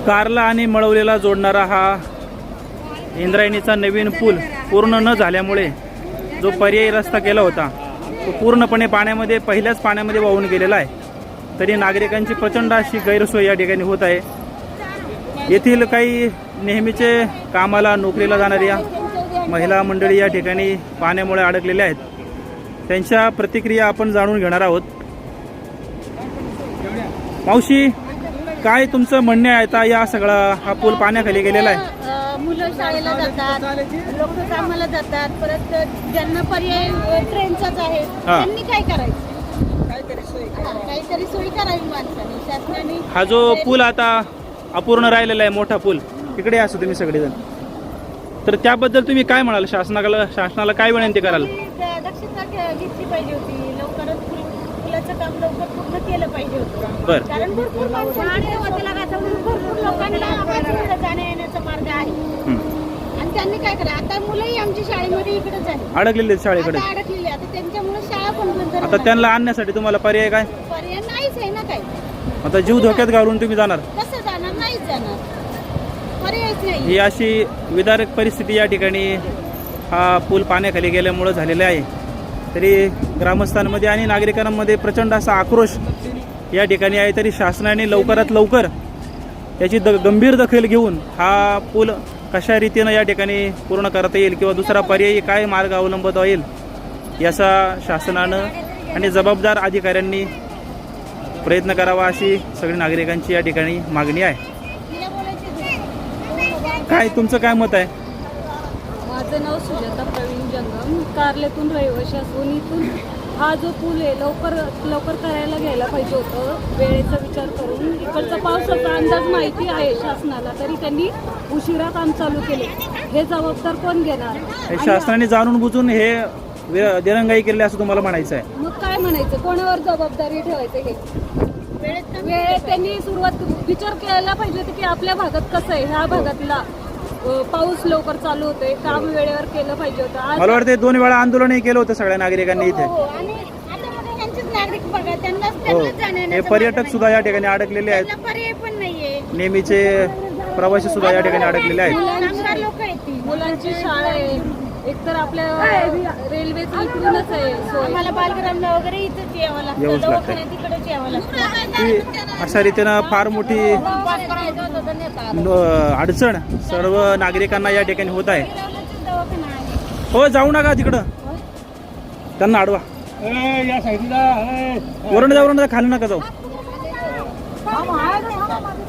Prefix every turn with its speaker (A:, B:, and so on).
A: कारला आणि मळवलेला जोडणारा हा इंद्रायणीचा नवीन पूल पूर्ण न झाल्यामुळे जो पर्यायी रस्ता केला होता तो पूर्णपणे पाण्यामध्ये पहिल्याच पाण्यामध्ये वाहून गेलेला आहे. तरी नागरिकांची प्रचंड अशी गैरसोय या ठिकाणी होत आहे. येथील काही नेहमीचे कामाला नोकरीला जाणाऱ्या महिला मंडळी या ठिकाणी पाण्यामुळे अडकलेल्या आहेत. त्यांच्या प्रतिक्रिया आपण जाणून घेणार आहोत. मावशी, काय तुमचं म्हणणे आहे? आता या सगळा हा पूल पाण्याखाली गेलेला आहे.
B: मुलं शाळेला जातात, लोक कामाला जातात, परत ज्यांना पर्याय ट्रेनचाच आहे त्यांनी काय करायचं? काहीतरी सोय करावी माणसाने, शासनाने.
A: हा जो पूल आता अपूर्ण राहिलेला आहे, मोठा पूल, तिकडे असो तुम्ही सगळेजण, तर त्याबद्दल तुम्ही काय म्हणाल? शासनाला काय विनंती कराल?
B: दक्षता घेतली पाहिजे होती. लवकरच पुलाचं काम लवकर पूर्ण केलं पाहिजे होतं.
A: बरं.
B: कारण भरपूर लोकांना जाण्या येण्याचा मार्ग आहे आणि त्यांनी काय करा. आता मुलंही आमची शाळेमध्ये इकडेच आहे,
A: अडकलेले शाळेकडे
B: अडकलेली. आता त्यांच्यामुळे शाळा पण बंद.
A: आता त्यांना आणण्यासाठी तुम्हाला पर्याय काय?
B: पर्याय नाहीच आहे ना. काय
A: आता जीव धोक्यात घालून तुम्ही जाणार?
B: कसं जाणार? नाहीच जाणार, पर्यायच नाही.
A: ही अशी विदारक परिस्थिती या ठिकाणी हा पूल पाण्याखाली गेल्यामुळे झालेली आहे. तरी ग्रामस्थांमध्ये आणि नागरिकांमध्ये प्रचंड असा आक्रोश या ठिकाणी आहे. तरी शासनाने लवकरात लवकर याची गंभीर दखल घेऊन हा पूल कशा रीतीनं या ठिकाणी पूर्ण करता येईल किंवा दुसरा पर्यायी काय मार्ग अवलंबता येईल याचा शासनानं आणि जबाबदार अधिकाऱ्यांनी प्रयत्न करावा अशी सगळी नागरिकांची या ठिकाणी मागणी आहे. काय तुमचं काय मत आहे?
C: माझं नाव सुजाता प्रवीण जंगम, कारलेतून रहिवाशी असून इथून हा जो पूल आहे लवकर करायला घ्यायला पाहिजे होतं. वेळेचा विचार करून इकडचा पावसाचा अंदाज माहिती आहे शासनाला, तरी त्यांनी उशिरा काम चालू केले. हे जबाबदार कोण घेणार?
A: शासनाने जाणून बुजून हे दिरंगाई केली असं तुम्हाला म्हणायचं आहे?
C: मग काय म्हणायचं? कोणावर जबाबदारी ठेवायचं? हे वेळेत त्यांनी विचार केला पाहिजे होता की आपल्या भागात कसं आहे, ह्या भागातला पाऊस लवकर चालू होतोय, काम वेळेवर केलं पाहिजे होतं.
A: मला वाटतं 2 वेळा आंदोलनही केलं होतं सगळ्या नागरिकांनी इथे. हे पर्यटक सुद्धा या ठिकाणी अडकलेले आहेत,
B: पर्याय पण नाहीये.
A: नेहमीचे प्रवासी सुद्धा या ठिकाणी अडकलेले आहेत.
C: मुलांची शाळा आहे, एकतर आपल्या रेल्वेचं इकडूनच आहे.
B: आम्हाला बालग्रामला वगैरे इथंच यावं लागतं, दवाखान्यात तिकडेच यावं लागतं.
A: अशा रीतीनं फार मोठी अडचण सर्व नागरिकांना या ठिकाणी होत आहे. हो, जाऊ नका तिकडं, त्यांना अडवा. वरून जाऊ, खाली नका जाऊ.